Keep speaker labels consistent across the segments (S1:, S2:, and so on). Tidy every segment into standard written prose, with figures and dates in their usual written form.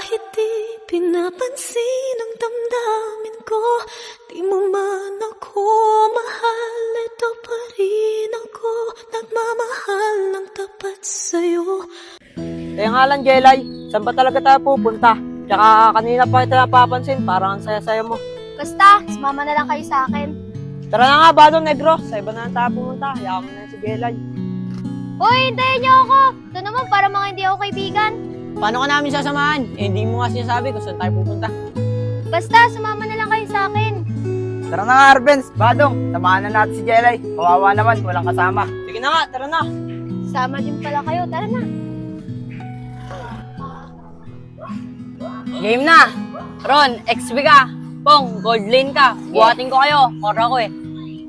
S1: Bakit di pinapansin ang damdamin ko? Di mo man ako mahal, ito pa rin ako nagmamahal ng tapat sa'yo.
S2: Kaya nga lang, Jelay, saan ba talaga tayo pupunta? Tsaka kanina pa kita napapansin, parang ang saya-saya mo.
S3: Basta, sumama na lang kayo sa akin.
S2: Tara na nga, Badong Negro, sa iba na lang tayo pumunta. Hayaan mo na si Jelay.
S3: Hoy, hintayin niyo ako! Ito naman para mga hindi ako kaibigan.
S2: Paano ka namin sasamahan? Hindi mo nga sinasabi kung saan tayo pupunta.
S3: Basta, sumama na lang kayo sa akin.
S4: Tara na nga, Arbenz. Badong, samahan na natin si Jelay. Kawawa naman, walang kasama.
S2: Sige na nga, tara na.
S3: Sama din pala kayo. Tara na.
S2: Game na! Ron, XP ka. Pong, gold lane ka. Buhatin ko kayo. Kora ko eh.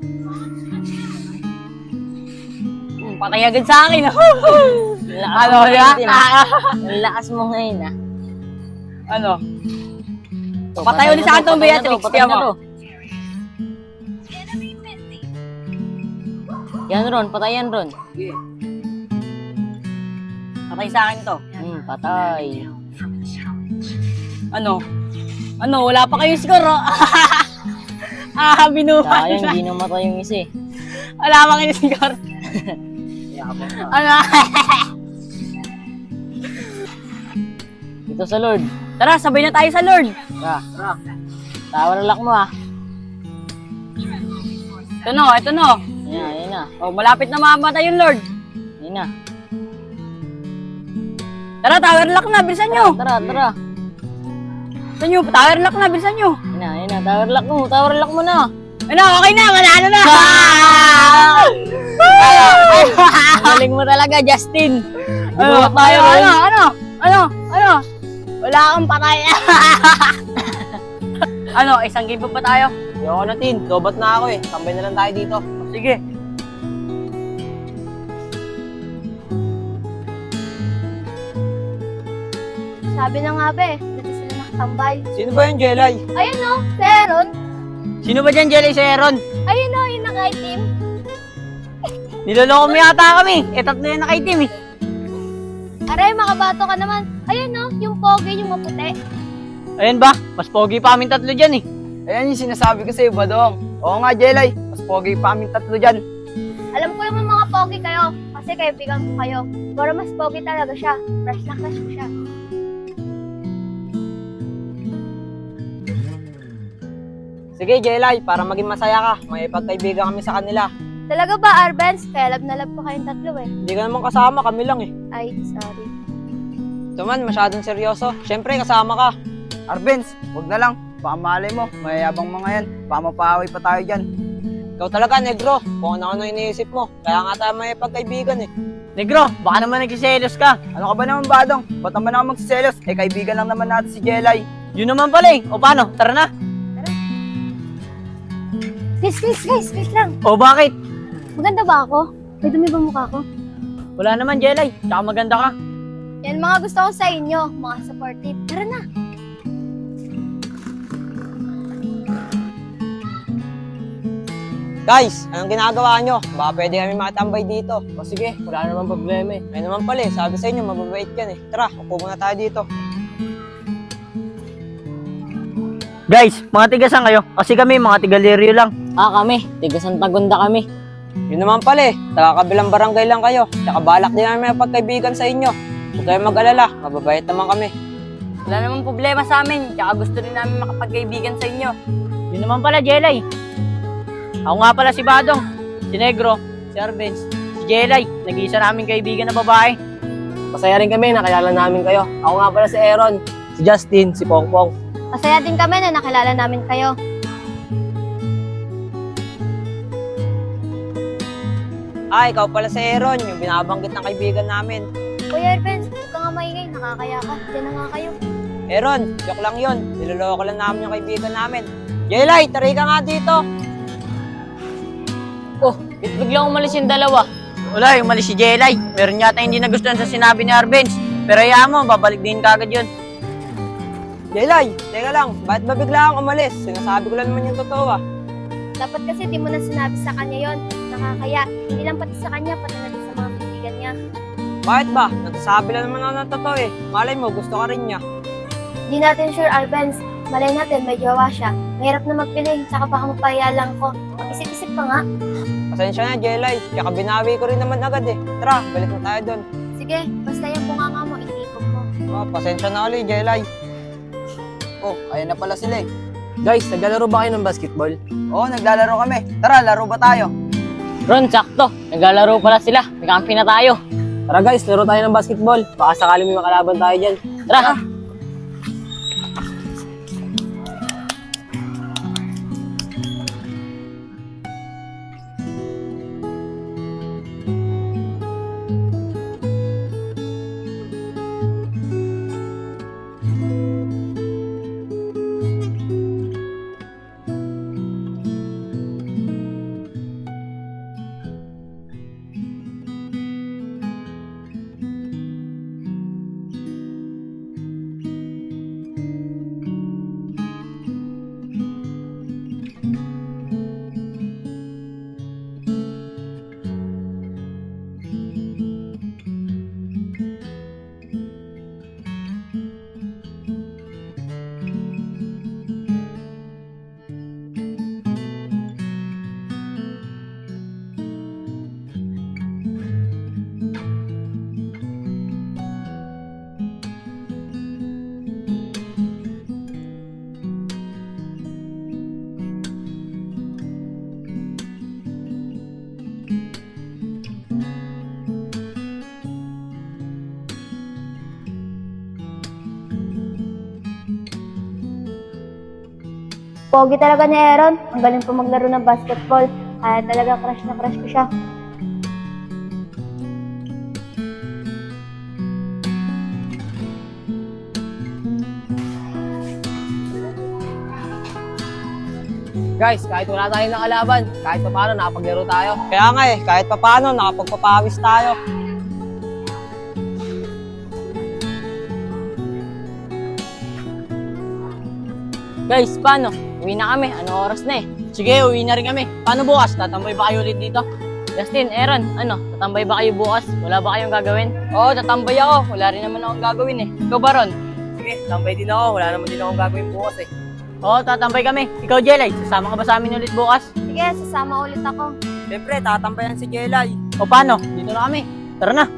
S2: Patay agad sa akin. Ano ya?
S5: Ang lakas mo ngayon, ah.
S2: Ano? Patay ulit sa akin itong Beatrix. Tiyan mo.
S5: Yan, Ron. Patay yan, Ron.
S2: Patay sa akin to.
S5: Patay.
S2: Ano? Ano? Wala pa kayong score, oh. Binuhat
S5: Sayang,
S2: na.
S5: hindi namatay yung isa, eh.
S2: Wala pa kayong score. Ano?
S5: Dito sa Lord.
S2: Tara, sabay na tayo sa Lord.
S5: Tara. Tower lock mo, ah.
S2: Ito no, ito no.
S5: Ayan na.
S2: Oh, malapit na mamatay yung Lord.
S5: Ayan na.
S2: Tara, tower lock na, bilisan nyo.
S5: Tara.
S2: Bilisan nyo, tower lock na, bilisan nyo.
S5: Ayan na. Tower lock mo. Tower lock mo na.
S2: Ano, okay na, manalo na.
S5: Galing mo talaga, Justin.
S2: Ano,
S5: Ginuhat tayo, Ron.
S2: Ano? Wala kang patay. Ano, isang game pa ba tayo? Ayoko na, Tin. Lobat na ako eh. Tambay na lang tayo dito. Sige.
S3: Sabi na nga ba eh, dito sila nakatambay.
S2: Sino ba yung Jelay?
S3: Ayun no, si Aaron.
S2: Sino ba dyan, Jelay, si Aaron?
S3: Ayun no, yung naka-team.
S2: Niloloko mo yata kami. Tatlo yung naka-team eh.
S3: Aray, makabato ka naman. Ayun no, yung pogi, yung maputi.
S2: Ayun ba? Mas pogi pa aming tatlo dyan eh.
S4: Ayan yung sinasabi ko sa'yo, Badong. Oo nga, Jelay. Mas pogi pa aming tatlo dyan.
S3: Alam ko yung mga pogi kayo, kasi kaibigan ko kayo. Pero mas pogi talaga siya. Crush na crush ko siya.
S2: Sige, Jelay, para maging masaya ka, may pagkaibigan kami sa kanila.
S3: Talaga ba, Arbenz? Kaya love na love ko kayong tatlo eh.
S2: Hindi ka naman kasama, kami lang eh.
S3: Ay, sorry.
S2: Ito man, masyadong seryoso. Siyempre, kasama ka.
S4: Arbenz, huwag na lang. Baka malay mo, mayayabang mga yan. Baka mapaaway pa tayo dyan.
S2: Ikaw talaga, Negro. Kung ano-ano iniisip mo. Kaya nga tayo may pagkaibigan eh. Negro, baka naman nagsiselos ka.
S4: Ano ka ba naman, Badong? Ba't naman ako magsiselos? Eh, kaibigan lang naman natin si Jelay.
S2: Yun naman pala eh. O paano? Tara na.
S3: Guys, lang.
S2: O bakit?
S3: Maganda ba ako? May dumi ba mukha ko?
S2: Wala naman, Jelay. Tsaka maganda ka.
S3: Yan mga gusto ko sa inyo, mga supportive. Tara na.
S2: Guys, anong ginagawa nyo? Baka pwede kami makatambay dito. O sige, wala naman problema eh. Ay naman pala eh. Sabi sa inyo, mababait yan eh. Tara, upo muna tayo dito. Guys, mga tigasan kayo. Kasi kami, mga tigaliryo lang.
S5: Kami. Tiga Santa Gunda kami.
S2: Yun naman pala eh. Taga-kabilang barangay lang kayo. Tsaka balak din namin may pagkaibigan sa inyo. Huwag kayong mag-alala. Mababait naman kami. Wala namang problema sa amin. Tsaka gusto rin namin makapagkaibigan sa inyo. Yun naman pala, Jelay. Ako nga pala si Badong, si Negro, si Arbenz, si Jelay. Nag-iisa namin kaibigan na babae. Masaya rin kami, nakilala namin kayo. Ako nga pala si Aaron, si Justin, si Pongpong.
S3: Masaya din kami na nakilala namin kayo.
S2: Ikaw pala si Aaron, yung binabanggit ng kaibigan namin.
S3: Kuya Arbenz, huwag ka nga maingay, nakakaya ka. Diyan na nga kayo.
S2: Aaron, joke lang yun. Niloloko lang namin yung kaibigan namin. Jelay, taray ka nga dito.
S5: Biglang umalis yung dalawa.
S2: Wala, umalis si Jelay. Meron yata hindi nagustuhan sa sinabi ni Arbenz. Pero hayaan mo, babalik din kagad yun. Jelay, teka lang. Bakit ba bigla kang umalis? Sinasabi ko lang naman yung totoo ah.
S3: Dapat kasi di mo na sinabi sa kanya yon. Nakakaya. Hindi lang pati sa kanya, pati na din sa mga kaibigan niya.
S2: Bakit ba? Nagsasabi lang naman ako ng totoo eh. Malay mo, gusto ka rin niya.
S3: Di natin sure, Arbenz. Malay natin, may jowa siya. Mahirap na magpili, tsaka baka mapahiya lang ko. Mag-isip-isip ka nga.
S2: Pasensya na, Jelay. Tsaka binawi ko rin naman agad eh. Tara, balik na tayo doon.
S3: Sige, basta yung bunganga mo, itikot mo.
S2: Oh, pasensya na ulit, Jelay.
S4: Oh, ayun na pala sila eh.
S6: Guys, naglalaro ba kayo ng basketball?
S4: Oo, naglalaro kami. Tara, laro ba tayo?
S5: Ron, sakto. Naglalaro pala sila. May kampi na tayo.
S6: Tara guys, laro tayo ng basketball. Baka sakali may makalaban tayo dyan.
S5: Tara.
S3: Pogi talaga ni Aaron. Ang galing po maglaro ng basketball. Kaya talaga crush na crush ko siya.
S6: Guys, kahit wala tayong nakalaban, kahit pa paano nakapaglaro tayo.
S2: Kaya nga eh, kahit pa paano, nakapagpapawis tayo.
S5: Guys, paano? Uwi na kami. Anong oras na eh?
S6: Sige, uwi na rin kami. Paano bukas? Tatambay ba kayo ulit dito?
S5: Justin, Aaron, ano? Tatambay ba kayo bukas? Wala ba kayong gagawin?
S2: Oo, tatambay ako. Wala rin naman akong gagawin eh.
S5: Ikaw ba, Ron?
S6: Sige, tambay din ako. Wala naman din akong gagawin bukas eh.
S5: Oo, tatambay kami. Ikaw, Jelay, sasama ka ba sa amin ulit bukas?
S3: Sige, sasama ulit ako.
S2: Siyempre, tatambayan si Jelay.
S5: O paano? Dito na kami. Tara na.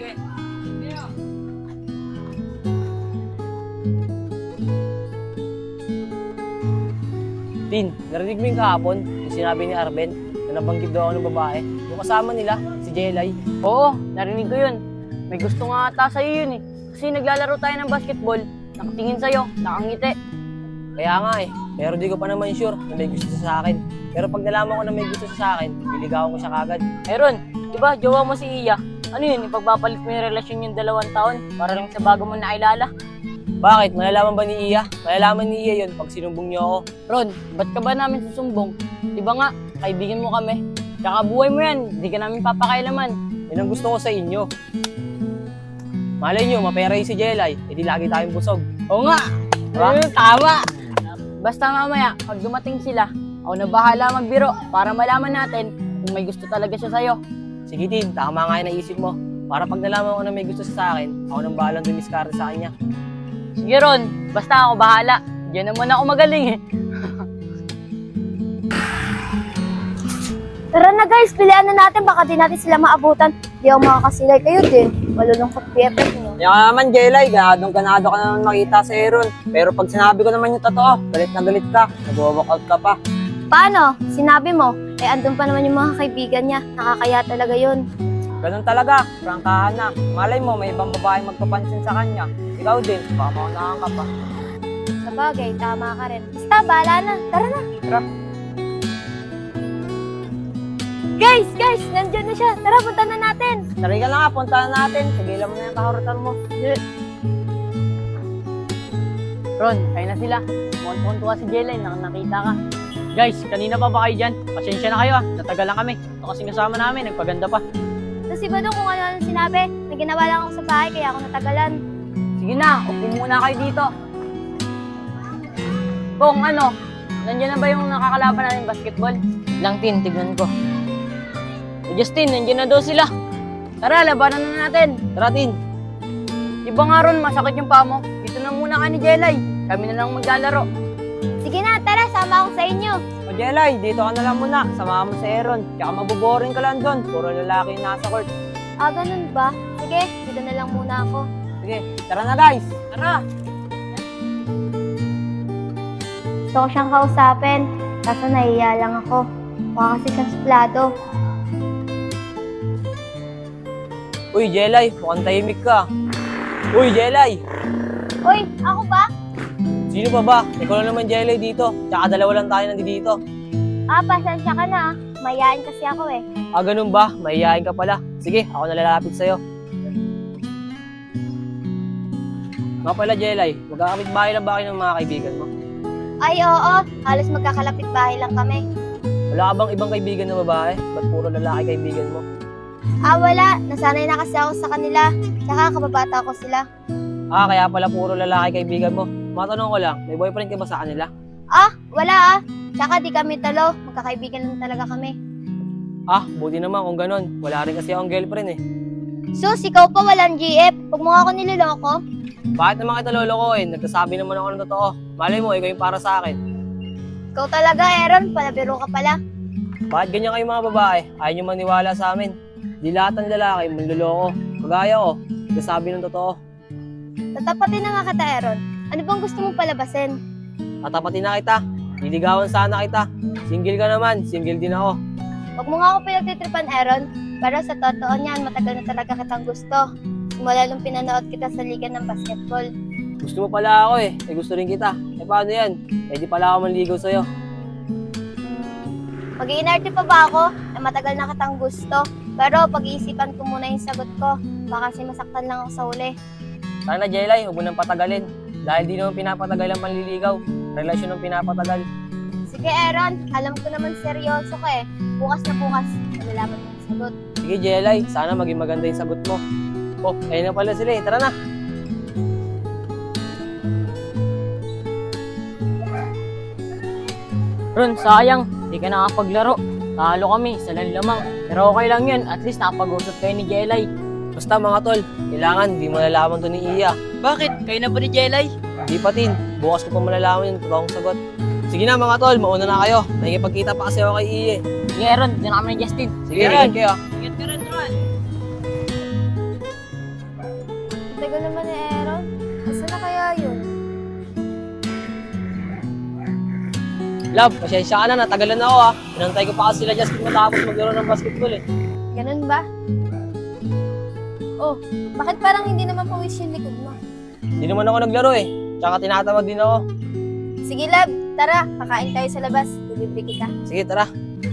S6: Tin, narinig mo yung kahapon, yung sinabi ni Arben, na nabanggit daw ako ng babae. Yung kasama nila, si Jelay.
S5: Oo, narinig ko yun. May gusto nga ata sa'yo yun eh. Kasi naglalaro tayo ng basketball, nakatingin sa'yo, nakangiti.
S6: Kaya nga eh, pero di ko pa naman sure na may gusto siya sa akin. Pero pag nalaman ko na may gusto siya sa akin, liligawan ko siya kagad.
S5: Aaron, di ba, jowa mo si Iya? Ano yun, ipagpapalit mo yung relasyon yung 2 taon para lang sa bago mo nakilala?
S6: Bakit? Malalaman ba ni Iya? Malalaman ni Iya yun pag sinumbong niyo ako.
S5: Ron, ba't ka ba namin susumbong? Di ba nga, kaibigan mo kami. Tsaka buhay mo yan, di ka namin papakailaman.
S6: Yan ang gusto ko sa inyo. Malay nyo, mapera yung si Jelay, edi lagi tayong busog.
S5: Oo nga,
S6: Diba?
S5: tama. Basta mamaya, pag dumating sila, ako na bahala magbiro para malaman natin kung may gusto talaga siya sa'yo.
S6: Sige Tin, tama nga yung naisip mo. Para pag nalaman ko na may gusto siya sa akin, ako nang bahalang dumiskarte sa kanya.
S5: Sige Ron, basta ako bahala. Diyan naman ako magaling eh.
S3: Tara na guys, pilihan na natin. Baka di natin sila maabutan. Di ako makakasilay kayo din. Malulungkot BFF nyo.
S2: Kaya ka naman, Jelay, ganado ka naman makita si Aaron. Pero pag sinabi ko naman yung totoo, galit na galit ka, nag-walkout ka pa.
S3: Paano? Sinabi mo. Eh, andun pa naman yung mga kaibigan niya. Nakakaya talaga yun.
S2: Ganun talaga, prangkahan na. Malay mo, may ibang babae magpapansin sa kanya. Ikaw din, baka maunahan ka pa.
S3: Sa bagay, tama ka rin. Basta, bahala na. Tara na.
S2: Tara.
S3: Guys, nandyan na siya. Tara, punta na natin.
S2: Tari ka na nga, puntahan natin. Tigilan mo na yung kahurutan mo.
S5: Ron, kayo na sila. Mukhang si Jelay, nakita ka.
S6: Guys, kanina pa ba kayo dyan? Pasensya na kayo ah, natagalan kami. Ito kasing kasama namin, nagpaganda pa.
S3: Tapos iba doon kung ano sinabi. May ginawa lang ako sa bahay, kaya ako natagalan.
S5: Sige na, upo muna kayo dito. Kung ano, nandiyan na ba yung nakakalaban natin basketball? Lang Tin, tignan ko. Justin, nandiyan na daw sila. Tara, labanan na natin.
S6: Tara Tin.
S5: Di ba nga Ron, masakit yung paa mo?
S2: dito na muna ka ni Jelay. Kami na lang maglalaro.
S3: Sige na, tara, sama ako sa inyo.
S2: O Jelay, dito ka na lang muna. Samahan mo si Aaron. Tsaka maboboring ka lang doon. Puro lalaki yung nasa court.
S3: Ah, ganun ba? Sige, dito na lang muna ako.
S2: Sige, tara na guys. Tara!
S3: Gusto ko siyang kausapin, kaso nahiya lang ako. Mukha kasi siyang suplado.
S6: Uy, Jelay, mukhang tahimik ka. Uy, Jelay!
S3: Uy, ako ba?
S6: Sino pa ba? Ikaw lang naman, Jelay, dito. Tsaka dalawa lang tayo nandito.
S3: Ah, pasensya ka na. Mayayain kasi ako eh.
S6: Ah, ganun ba? Mahihayin ka pala. Sige, ako na lalapit sa'yo. Nga pala, Jelay, magkakamit bahay lang ba kayo ng mga kaibigan mo?
S3: Ay, oo. Halos magkakalapit bahay lang kami.
S6: Wala ka bang ibang kaibigan na babae? Ba't puro lalaki kaibigan mo?
S3: Ah, wala. Nasanay na kasi ako sa kanila. Tsaka kababata ko sila.
S6: Ah, kaya pala puro lalaki kaibigan mo. Matanong ko lang, may boyfriend ka ba sa kanila?
S3: Ah, wala ah. Tsaka di kami talo. Magkakaibigan lang talaga kami.
S6: Ah, buti naman kung ganun. Wala rin kasi akong girlfriend eh.
S3: Sus, ikaw pa walang GF. Huwag mo nga ako niloloko.
S6: Bakit naman kita lolokohin? Nagsasabi naman ako ng totoo. Malay mo, ikaw yung para sa akin.
S3: Ikaw talaga, Aaron. Palabiro ka pala.
S6: Bakit ganyan kayo mga babae? Ayaw nyo maniwala sa amin. Di lahat ng lalaki manloloko. Kagaya ko, nagsasabi ng totoo.
S3: Tatapatin na nga kita, Aaron. Ano bang gusto mong palabasin?
S6: Tatapatin na kita. Liligawan sana kita. Single ka naman, single din ako.
S3: Huwag mo nga ako pinagtitripan, Aaron. Pero sa totoo niyan, matagal na talaga kitang gusto. Simula nung pinanood kita sa liga ng basketball.
S6: Gusto mo pala ako eh. Gusto rin kita. Paano yan? Di pala ako manligaw sa'yo.
S3: Mag-iinarte pa ba ako na matagal na kitang gusto? Pero pag-iisipan ko muna yung sagot ko. Baka kasi masaktan lang ako sa uli.
S6: Sana Jelay, huwag mo nang patagalin. Dahil di naman pinapatagal ang manliligaw. Relasyon ang pinapatagal.
S3: Sige, Aaron. Alam ko naman seryoso ka eh. Bukas na bukas, malalaman mo yung sagot.
S6: Sige Jelay, sana maging maganda yung sagot mo. Oh, ayun na pala sila eh. Tara na.
S5: Ron, sayang. Di ka nakapaglaro. Talo kami sa lamang. Pero okay lang yun. At least nakapag-usap kayo ni Jelay.
S6: Basta mga tol, kailangan di malalaman to ni Iya.
S2: Bakit? Kayo na ba ni Jelay?
S6: Di pa tin, bukas ko pa malalaman yung totoong sagot. Sige na mga tol, mauna na kayo. Nakikipagkita pa kasi ako kay Iya.
S5: Sige, Ron. Diyan na kami ni Justin.
S6: Sige, ingat kayo.
S2: Ingat ka rin, Ron.
S3: Tagal naman ni Aaron. Asa na kaya yun?
S6: Love, pasensya ka na, natagalan na ako ah. Pinantay ko pa kasi sila Justin matapos maglaro ng basketball eh.
S3: Ganun ba? Oh, bakit parang hindi naman pawis yung likod mo?
S6: Hindi naman ako naglaro eh. Tsaka tinatawag din ako.
S3: Sige, love. Tara, kakain tayo sa labas. Bibili kita.
S6: Sige, tara.